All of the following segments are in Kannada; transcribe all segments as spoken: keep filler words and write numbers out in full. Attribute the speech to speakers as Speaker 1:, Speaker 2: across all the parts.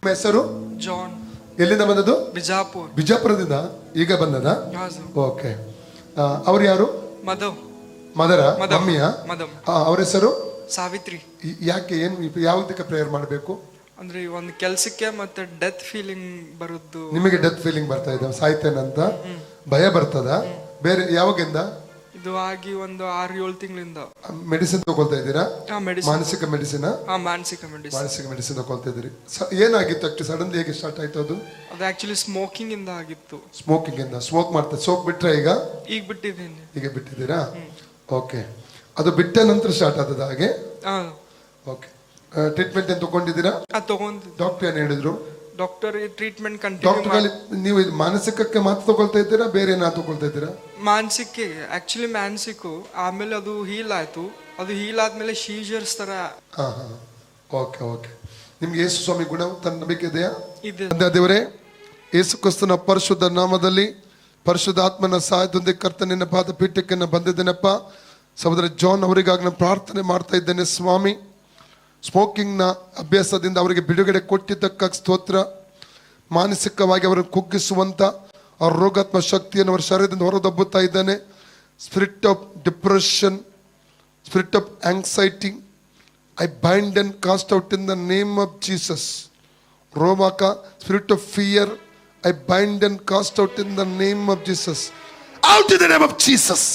Speaker 1: ಹೆಸರು
Speaker 2: ಜಾನ್.
Speaker 1: ಎಲ್ಲಿಂದ ಬಂದದ್ದು?
Speaker 2: ಬಿಜಾಪುರ್.
Speaker 1: ಬಿಜಾಪುರದಿಂದ ಈಗ ಬಂದದ? ಓಕೆ. ಅವ್ರು ಯಾರು?
Speaker 2: ಮಧವ್.
Speaker 1: ಮದರ ಮಮ್ಮಿಯ?
Speaker 2: ಮದಮ್.
Speaker 1: ಅವ್ರ ಹೆಸರು
Speaker 2: ಸಾವಿತ್ರಿ.
Speaker 1: ಯಾಕೆ, ಏನ್ ಯಾವುದಕ್ಕೆ ಪ್ರೇಯರ್ ಮಾಡಬೇಕು?
Speaker 2: ಅಂದ್ರೆ ಒಂದು ಕೆಲ್ಸಕ್ಕೆ ಮತ್ತೆ ಡೆತ್ ಫೀಲಿಂಗ್ ಬರುದು.
Speaker 1: ನಿಮಗೆ ಡೆತ್ ಫೀಲಿಂಗ್ ಬರ್ತಾ ಇದೆ, ಸಾಯ್ತೇನಂತ ಭಯ ಬರ್ತದ? ಬೇರೆ ಯಾವಾಗಿಂದ
Speaker 2: ಇದು ಆಗಿ? ಒಂದು ಆರು ಏಳು ತಿಂಗಳಿಂದ.
Speaker 1: ಮೆಡಿಸಿನ್ ತಗೊಳ್ತಾ ಇದ್ದೀರಾ? ಮಾನಸಿಕ ಮೆಡಿಸಿನ್?
Speaker 2: ಮಾನಸಿಕ ಮೆಡಿಸಿನ್
Speaker 1: ಮಾನಸಿಕ ಮೆಡಿಸಿನ್ ತಗೊಳ್ತಾ ಇದ್ದೀರಿ. ಏನಾಗಿತ್ತು ಆಕ್ಚುಲಿ? ಸಡನ್ಲಿ ಹೇಗೆ ಸ್ಟಾರ್ಟ್ ಆಯ್ತು ಅದು?
Speaker 2: ಅದು ಆಕ್ಚುಲಿ ಸ್ಮೋಕಿಂಗ್ ಇಂದ ಆಗಿತ್ತು.
Speaker 1: ಸ್ಮೋಕಿಂಗ್ ಇಂದ? ಸ್ಮೋಕ್ ಮಾಡ್ತಾ ಸೋಕ್ ಬಿಟ್ರೆ ಈಗ?
Speaker 2: ಈಗ ಬಿಟ್ಟಿದ್ದೀನಿ.
Speaker 1: ಈಗ ಬಿಟ್ಟಿದ್ದೀರಾ? ಓಕೆ. ಅದು ಬಿಟ್ಟ ನಂತರ ಸ್ಟಾರ್ಟ್ ಆದದ ಹಾಗೆ? ಓಕೆ. ಟ್ರೀಟ್ಮೆಂಟ್ ಏನು ತಗೊಂಡಿದ್ದೀರಾ?
Speaker 2: ತಗೊಂಡು.
Speaker 1: ಡಾಕ್ಟರ್ ಏನು ಹೇಳಿದ್ರು?
Speaker 2: Doctor treatment continue.
Speaker 1: ಡಾಕ್ಟರ್ ನೀವು ಮಾನಸಿಕಕ್ಕೆ ಮಾತ್ರ ತಗೊಳ್ತಾ ಇದ್ದೀರಾ, ಬೇರೆ ಏನಾದ್ರು ತಗೊಳ್ತಾ ಇದ್ದೀರಾ?
Speaker 2: ಮಾನಸಿಕ ಆಕ್ಚುಲಿ ಮಾನಸಿಕ, ಆಮೇಲೆ ಅದು ಹೀಲ್ ಆಯ್ತು. ಅದು ಹೀಲ್ ಆದ್ಮೇಲೆ ಸೀಜರ್ಸ್ ತರ.
Speaker 1: ಹಾ ಹಾ ಓಕೆ ಓಕೆ. ನಿಮ್ಗೆ ಯೇಸು ಸ್ವಾಮಿ ಗುಣ ತನ್ನ ನಂಬಿಕೆ ಇದೆಯಾ?
Speaker 2: ಇದೆ.
Speaker 1: ದೇವರೇ, ಯೇಸು ಕ್ರಿಸ್ತನ ಪರಿಶುದ್ಧ ನಾಮದಲ್ಲಿ ಪರಿಶುದ್ಧ ಆತ್ಮನ ಸಹಾಯದೊಂದಿಗೆ ಕರ್ತನಿನ ಪಾದ ಪೀಠಕ್ಕೆ ನಾನು ಬಂದಿದ್ದೇನಪ್ಪ. ಸಹೋದರ ಜಾನ್ ಅವರಿಗಾಗಿ ನಾನು ಪ್ರಾರ್ಥನೆ ಮಾಡ್ತಾ ಇದ್ದೇನೆ ಸ್ವಾಮಿ. ಸ್ಮೋಕಿಂಗ್ನ ಅಭ್ಯಾಸದಿಂದ ಅವರಿಗೆ ಬಿಡುಗಡೆ ಕೊಟ್ಟಿದ್ದಕ್ಕಾಗಿ ಸ್ತೋತ್ರ. ಮಾನಸಿಕವಾಗಿ ಅವರನ್ನು ಕುಗ್ಗಿಸುವಂಥ ಅವ್ರ ರೋಗಾತ್ಮ ಶಕ್ತಿಯನ್ನು ಅವರ ಶರೀರದಿಂದ ಹೊರದಬ್ಬುತ್ತಾ ಇದ್ದಾನೆ. Spirit of depression, spirit of anxiety, I bind and cast out in the name of Jesus. ರೋಮಾಕ, spirit of fear, I bind and cast out in the name of Jesus. Out in the name of Jesus.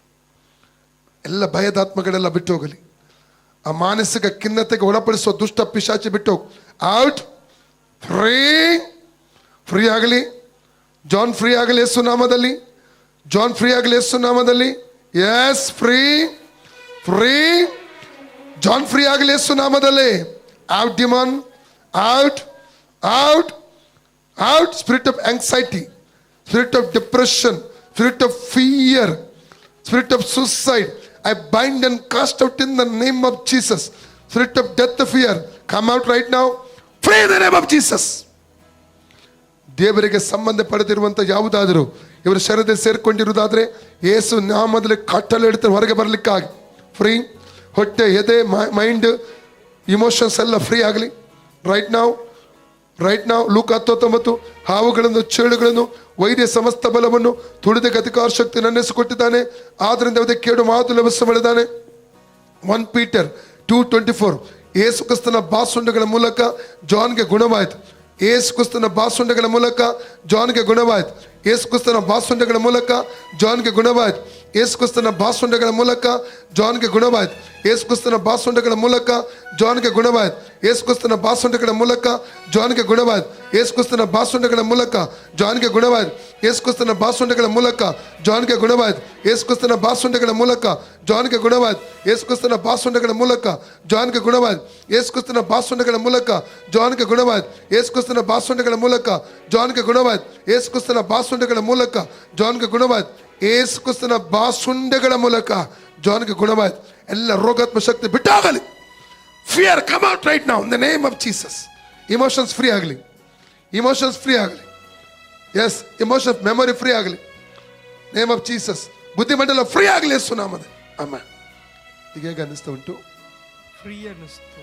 Speaker 1: ಎಲ್ಲ ಭಯದಾತ್ಮಗಳೆಲ್ಲ ಬಿಟ್ಟು ಹೋಗಲಿ. ಆ ಮಾನಸಿಕ ಖಿನ್ನತೆಗೆ ಒಳಪಡಿಸುವ ದುಷ್ಟ ಪಿಶಾಚಿ ಬಿಟ್ಟು ಔಟ್. ಫ್ರೀ ಫ್ರೀ ಆಗಲಿ. ಜಾನ್ ಫ್ರೀ ಆಗಲಿ ಯೇಸು ನಾಮದಲ್ಲಿ. ಜಾನ್ ಫ್ರೀ ಆಗಲಿ ಯೇಸು ನಾಮದಲ್ಲಿ. Yes, free free. John free ಆಗಲಿ ಯೇಸು ನಾಮದಲ್ಲಿ. Out demon, out out out. Spirit of anxiety, spirit of depression, spirit of fear, spirit of suicide, I bind and cast out in the name of Jesus. Spirit of death, fear, come out right now. Free in the name of Jesus. ದೇವರಿಗೆ ಸಂಬಂಧ ಪಡೆದಿರುವಂಥ ಯಾವುದಾದರೂ ಇವರ ಶರೀರದಲ್ಲಿ ಸೇರ್ಕೊಂಡಿರುವುದಾದರೆ ಯೇಸು ನಾಮದಲ್ಲಿ ಕಟ್ಟಲು ಹಿಡಿದು ಹೊರಗೆ ಬರಲಿಕ್ಕಾಗಿ ಫ್ರೀ. ಹೊಟ್ಟೆ, ಎದೆ, ಮೈಂಡ್, ಇಮೋಷನ್ಸ್ ಎಲ್ಲ ಫ್ರೀ ಆಗಲಿ ರೈಟ್ ನಾವು. ರೈಟ್ ನಾವು. ಲೂಕ ಹತ್ತೊಂಬತ್ತು. ಹಾವುಗಳನ್ನು, ಚೇಳುಗಳನ್ನು, ವೈದ್ಯ ಸಮಸ್ತ ಬಲವನ್ನು ತುಳಿದ ಅಧಿಕಾರ ಶಕ್ತಿ ನನ್ನೆಸಿಕೊಟ್ಟಿದ್ದಾನೆ, ಆದ್ದರಿಂದ ಯಾವುದೇ ಕೇಡು ಮಾತು ಲಭಿಸ ಮಾಡಿದ್ದಾನೆ. One Peter two twenty four. ಯೇಸು ಕ್ರಿಸ್ತನ ಬಾಸುಂಡಗಳ ಮೂಲಕ ಜಾನ್ಗೆ ಗುಣವಾಯಿತು. ಯೇಸು ಕ್ರಿಸ್ತನ ಬಾಸುಂಡಗಳ ಮೂಲಕ ಜಾನ್ಗೆ ಗುಣವಾಯಿತು. ಯೇಸು ಕ್ರಿಸ್ತನ ಬಾಸುಂಡಗಳ ಮೂಲಕ ಜಾನ್ಗೆ ಗುಣವಾಯಿತು. ಯೇಸು ಕ್ರಿಸ್ತನ ಬಾಸುಂಡಗಳ ಮೂಲಕ ಜಾನ್ಗೆ ಗುಣವಾಯಿತು. ಯೇಸು ಕ್ರಿಸ್ತನ ಬಾಸುಂಡಗಳ ಮೂಲಕ ಜಾನ್ಗೆ ಗುಣವಾಯಿತು. ಯೇಸು ಕ್ರಿಸ್ತನ ಬಾಸುಂಡಗಳ ಮೂಲಕ ಜಾನ್ಗೆ ಗುಣವಾಯಿತು. ಯೇಸು ಕ್ರಿಸ್ತನ ಬಾಸುಂಡಗಳ ಮೂಲಕ ಜಾನ್ಗೆ ಗುಣವಾಯಿತು. ಯೇಸು ಕ್ರಿಸ್ತನ ಬಾಸುಂಡಗಳ ಮೂಲಕ ಜಾನ್ಗೆ ಗುಣವಾಯಿತು. ಯೇಸು ಕ್ರಿಸ್ತನ ಬಾಸುಂಡಗಳ ಮೂಲಕ ಜಾನ್ಗೆ ಗುಣವಾಯಿತು. ಯೇಸು ಕ್ರಿಸ್ತನ ಬಾಸುಂಡಗಳ ಮೂಲಕ ಜಾನ್ಗೆ ಗುಣವಾಯಿತು. ಯೇಸು ಕ್ರಿಸ್ತನ ಬಾಸುಂಡಗಳ ಮೂಲಕ ಜಾನ್ಗೆ ಗುಣವಾಯಿತು. ಯೇಸು ಕ್ರಿಸ್ತನ ಬಾಸುಂಡಗಳ ಮೂಲಕ ಜಾನ್ಗೆ ಗುಣವಾಯಿತು. ಯೇಸು ಕ್ರಿಸ್ತನ ಬಾಸುಂಡಗಳ ಮೂಲಕ ಜಾನ್ಗೆ ಗುಣವಾಯಿತು. ಯೇಸು ಕ್ರಿಸ್ತನ ಬಾಸುಂಡಗಳ ಮೂಲಕ ಜಾನ್ಗೆ ಗುಣವಾಯಿತು. ಎಲ್ಲ ರೋಗಾತ್ಮ ಶಕ್ತಿ ಬಿಟ್ಟಾಗಲಿ. Fear come out right now in the name of Jesus. Emotions free ಆಗಲಿ. ಇಮೋಷನ್ಸ್ ಫ್ರೀ ಆಗಲಿ. ಎಸ್, ಇಮೋಷನ್ಸ್ ಮೆಮೊರಿ ಫ್ರೀ ಆಗಲಿ ನೇಮ್ ಆಫ್ ಜೀಸಸ್. ಬುದ್ಧಿಮಂಡಲ ಫ್ರೀ ಆಗಲಿ ಯೇಸು ನಾಮದಲ್ಲಿ. ಅಮ್ಮ, ಈಗ ಹೇಗೆ ಅನ್ನಿಸ್ತಾ ಉಂಟು?
Speaker 2: ಫ್ರೀ ಅನ್ನಿಸ್ತು.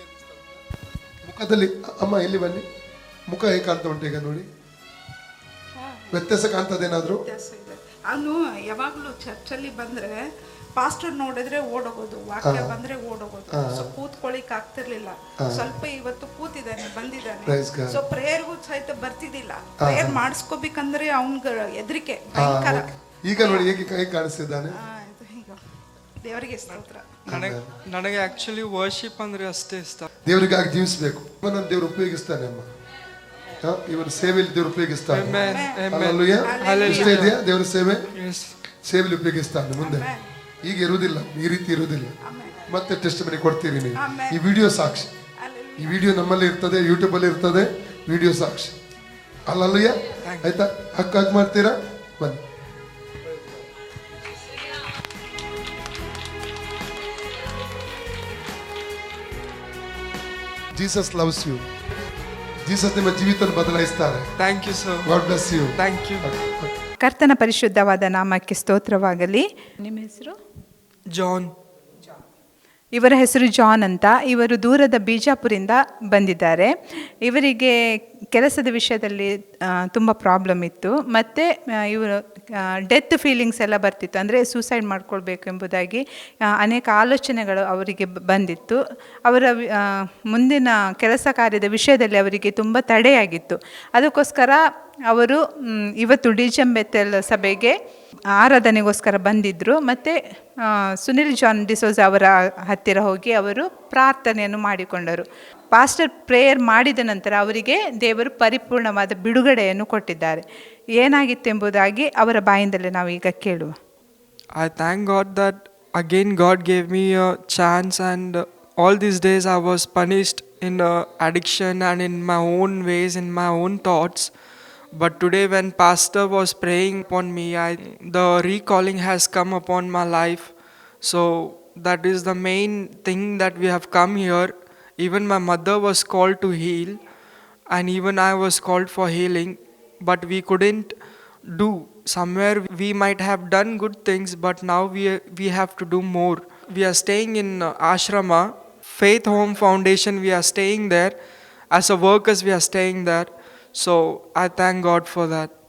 Speaker 1: ಮುಖದಲ್ಲಿ ಅಮ್ಮ ಇಲ್ಲಿ ಬನ್ನಿ. ಮುಖ ಹೇಗೆ ಕಾಣ್ತಾ ಉಂಟು ಈಗ ನೋಡಿ? ವ್ಯತ್ಯಾಸ ಕಾಣ್ತದೇನಾದ್ರು?
Speaker 3: ಅವನು ಯಾವಾಗ್ಲೂ ಚರ್ಚಲ್ಲಿ ಬಂದ್ರೆ ಪಾಸ್ಟರ್ ನೋಡಿದ್ರೆ ಓಡೋಗೋದು, ವಾಕ್ಯ ಬಂದ್ರೆ ಓಡೋಗೋದು. ಸೊ ಕೂತ್ಕೊಳ್ಳಿಕ್ ಆಗ್ತಿರ್ಲಿಲ್ಲ. ಸ್ವಲ್ಪ ಇವತ್ತು ಕೂತಿದ್ದಾನೆ, ಬಂದಿದ್ದಾನೆ. ಸೊ ಪ್ರೇಯರ್ಗೂ ಸಹಿತ ಬರ್ತಿದ್ದಿಲ್ಲ. ಪ್ರೇಯರ್ ಮಾಡಿಸ್ಕೋಬೇಕಂದ್ರೆ ಅವನ್ಗ ಎದ್ರಿಕೆ ಭಯಂಕರ.
Speaker 1: ಈಗ ನೋಡಿ ಹೇಗೆ ಕೈ ಕಾಣಿಸ್ತಿದ್ದಾನೆ.
Speaker 3: ದೇವರಿಗೆ ಸ್ತೋತ್ರ.
Speaker 2: ನನಗೆ ನನಗೆ ಆಕ್ಚುಲಿ ವರ್ಷಿಪ್ ಅಂದ್ರೆ ಅಷ್ಟೇ ಇಷ್ಟ.
Speaker 1: ದೇವರಿಗಾಗಿ ಜೀವಿಸಬೇಕು. ದೇವರು ಉಪಯೋಗಿಸ್ತಾನೆ ಅಮ್ಮ. ಇವರ ಸೇವೆಯಲ್ಲಿ ದೇವರು ಉಪಯೋಗಿಸ್ತಾನೆ. ದೇವರ ಸೇವೆ ಸೇವೆಯಲ್ಲಿ ಉಪಯೋಗಿಸ್ತಾನೆ ಮುಂದೆ. ಈಗ ಇರುವುದಿಲ್ಲ, ಈ ರೀತಿ ಇರುವುದಿಲ್ಲ. ಮತ್ತೆ ಟೆಸ್ಟ್ ಮನಿ ಕೊಡ್ತೀರಿ ನೀವು. ಈ ವಿಡಿಯೋ ಸಾಕ್ಷಿ. ಈ ವಿಡಿಯೋ ನಮ್ಮಲ್ಲಿ ಇರ್ತದೆ, ಯೂಟ್ಯೂಬ್ ಅಲ್ಲಿ ಇರ್ತದೆ. ವಿಡಿಯೋ ಸಾಕ್ಷಿ. ಅಲ್ಲಲ್ಲಯ್ಯ, ಆಯ್ತಾ? ಹಕ್ಕ ಹಕ್ ಮಾಡ್ತೀರಾ? ಬನ್ನಿ. Jesus loves you. ಜೀಸಸ್ ನಿಮ್ಮ ಜೀವಿತ ಬದಲಾಯಿಸ್ತಾರೆ.
Speaker 2: Thank you sir.
Speaker 1: God bless you.
Speaker 2: Thank you.
Speaker 4: ಕರ್ತನ ಪರಿಶುದ್ಧವಾದ ನಾಮಕ್ಕೆ ಸ್ತೋತ್ರವಾಗಲಿ. ನಿಮ್ಮ ಹೆಸರು?
Speaker 2: ಜಾನ್.
Speaker 4: ಇವರ ಹೆಸರು ಜಾನ್ ಅಂತ. ಇವರು ದೂರದ ಬಿಜಾಪುರಿಂದ ಬಂದಿದ್ದಾರೆ. ಇವರಿಗೆ ಕೆಲಸದ ವಿಷಯದಲ್ಲಿ ತುಂಬ ಪ್ರಾಬ್ಲಮ್ ಇತ್ತು, ಮತ್ತು ಇವರು ಡೆತ್ ಫೀಲಿಂಗ್ಸ್ ಎಲ್ಲ ಬರ್ತಿತ್ತು, ಅಂದರೆ ಸೂಸೈಡ್ ಮಾಡ್ಕೊಳ್ಬೇಕು ಎಂಬುದಾಗಿ ಆ, ಅನೇಕ ಆಲೋಚನೆಗಳು ಅವರಿಗೆ ಬ- ಬಂದಿತ್ತು. ಅವರ ವಿ- ಆ, ಮುಂದಿನ ಕೆಲಸ ಕಾರ್ಯದ ವಿಷಯದಲ್ಲಿ ಅವರಿಗೆ ತುಂಬ ತಡೆಯಾಗಿತ್ತು. ಅದಕ್ಕೋಸ್ಕರ ಅವರು ಮ್, ಇವತ್ತು ಡಿಜೆಂ ಬೆತೆಲ್ ಸಭೆಗೆ ಆರಾಧನೆಗೋಸ್ಕರ ಬಂದಿದ್ದರು. ಮತ್ತು ಸುನಿಲ್ ಜಾನ್ ಡಿಸೋಜ ಅವರ ಹತ್ತಿರ ಹೋಗಿ ಅವರು ಪ್ರಾರ್ಥನೆಯನ್ನು ಮಾಡಿಕೊಂಡರು. ಪಾಸ್ಟರ್ ಪ್ರೇಯರ್ ಮಾಡಿದ ನಂತರ ಅವರಿಗೆ ದೇವರು ಪರಿಪೂರ್ಣವಾದ ಬಿಡುಗಡೆಯನ್ನು ಕೊಟ್ಟಿದ್ದಾರೆ. ಏನಾಗಿತ್ತೆಂಬುದಾಗಿ ಅವರ ಬಾಯಿಂದಲೇ ನಾವು ಈಗ ಕೇಳುವ.
Speaker 2: I thank God that again God gave me a chance, and uh, all these days I was punished in uh, addiction and in my own ways, in my own thoughts. But today when pastor was praying upon me, I, the recalling has come upon my life. So that is the main thing that we have come here. Even my mother was called to heal, and even I was called for healing, but we couldn't do. Somewhere we might have done good things, but now we we have to do more. We are staying in uh, ashrama, Faith Home Foundation. We are staying there as a workers. We are staying there. So I thank God for that.